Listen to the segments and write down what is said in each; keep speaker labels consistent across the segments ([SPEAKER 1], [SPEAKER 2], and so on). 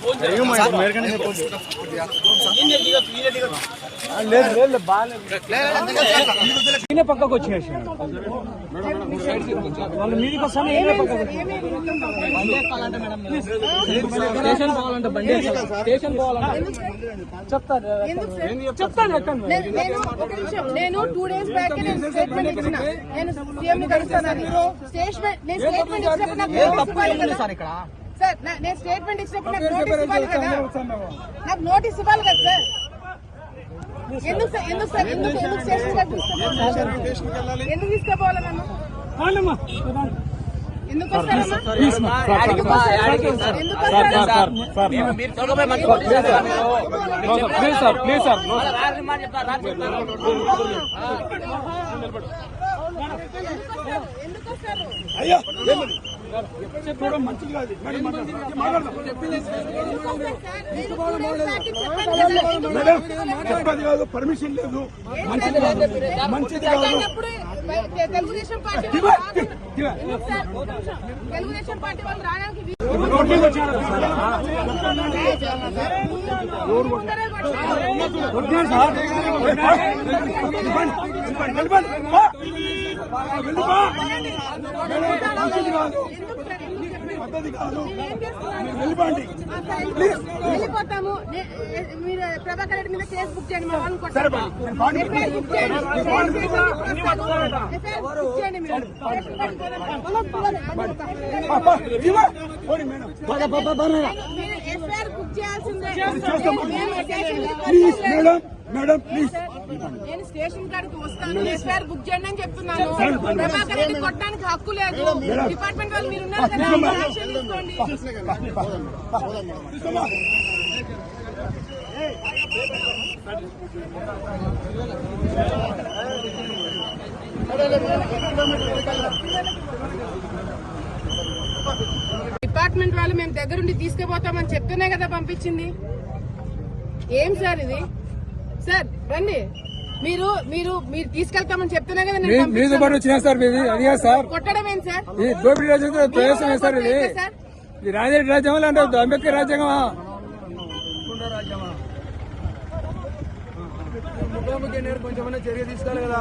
[SPEAKER 1] పక్కకు వచ్చేసి వాళ్ళు మీదికి వస్తాను స్టేషన్ పోవాలంటే బండి స్టేషన్ పోవాలంటే చెప్తాను
[SPEAKER 2] నేను 2 days బ్యాక్ స్టేట్మెంట్ ఇచ్చిన నేను సీఎం ని కలుస్తానని స్టేట్మెంట్ ఇచ్చినప్పుడు
[SPEAKER 1] సార్ ఇక్కడ
[SPEAKER 2] సార్ నేను స్టేట్మెంట్ ఇచ్చినప్పుడు నాకు నోటీస్ ఇవ్వాలి కదా సార్ ఎందుకు స్టేషన్ ఎందుకు తీసుకోపోవాలి నన్ను ఎందుకు
[SPEAKER 3] చెప్పది కాదు, పర్మిషన్ లేదు, మంచిది కాదు.
[SPEAKER 2] తెలుగుదేశం పార్టీ వాళ్ళు రావడానికి వెళ్ళిపోతాము. మీరు ప్రభాకర్ రెడ్డి మీద కేసు బుక్ చేయండి. మా వాళ్ళని ఎఫ్ఐఆర్ బుక్ చేయాల్సిందే.
[SPEAKER 3] మేడం ప్లీజ్
[SPEAKER 2] నేను స్టేషన్ కాడికి వస్తాను. ఎఫ్ఐఆర్ బుక్ చేయండి అని చెప్తున్నాను. ప్రభాకర్ రెడ్డి కొట్టడానికి హక్కు లేదు. డిపార్ట్మెంట్ వాళ్ళు మీరు ఉన్నారు కదా, యాక్షన్ తీసుకోండి. డిపార్ట్మెంట్ వాళ్ళు మేము దగ్గరుండి తీసుకుపోతామని చెప్తేనే కదా పంపించింది. ఏం సార్ ఇది? సార్ రండి, మీరు మీరు మీరు తీసుకెళ్తామని చెప్తేనే కదా కొట్టడం ఏంటి సార్?
[SPEAKER 1] దోపిడీ రాజ్యాంగం ప్రవేశం సార్ ఇది. రాజరెడ్డి రాజ్యాంగం అంటే అంబేద్కర్ రాజ్యాంగమా? కొంచెం చర్య తీసుకోవాలి కదా.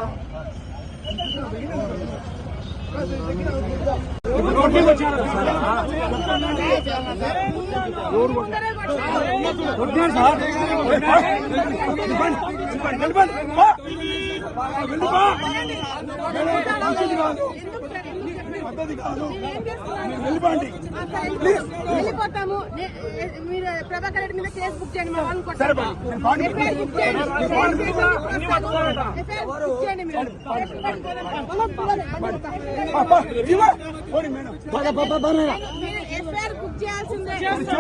[SPEAKER 2] వెళ్ళిపోతాము. మీరు ప్రభాకర్ రెడ్డి మీద కేసు బుక్ చేయండి. మా వాళ్ళని బుక్ చేయండి. మీరు ఎఫ్ఐఆర్ బుక్ చేయాల్సిందే.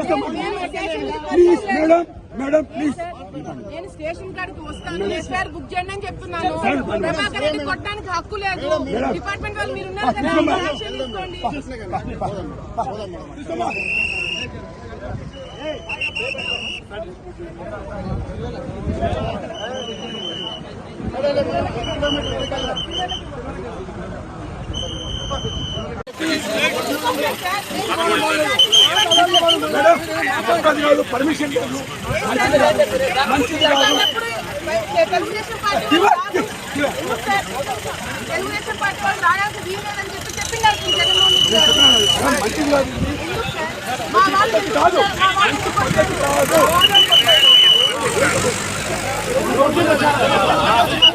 [SPEAKER 3] మేడం ప్లీజ్
[SPEAKER 2] నేను స్టేషన్ కాడికి వస్తాను. ఎఫ్ఐఆర్ బుక్ చేయండి అని చెప్తున్నాను. ప్రభాకర్ రెడ్డి కొట్టడానికి హక్కు లేదు. డిపార్ట్మెంట్ వాళ్ళు మీరు ఉన్నారు కదా, యాక్షన్ తీసుకోండి.
[SPEAKER 3] పర్మిషన్ లేదు, మంచిది కాదు.
[SPEAKER 2] తెలుగుదేశం పార్టీ వాళ్ళు రావడానికి వీలేదని చెప్పినారు జగన్మోహన్. మా వాళ్ళు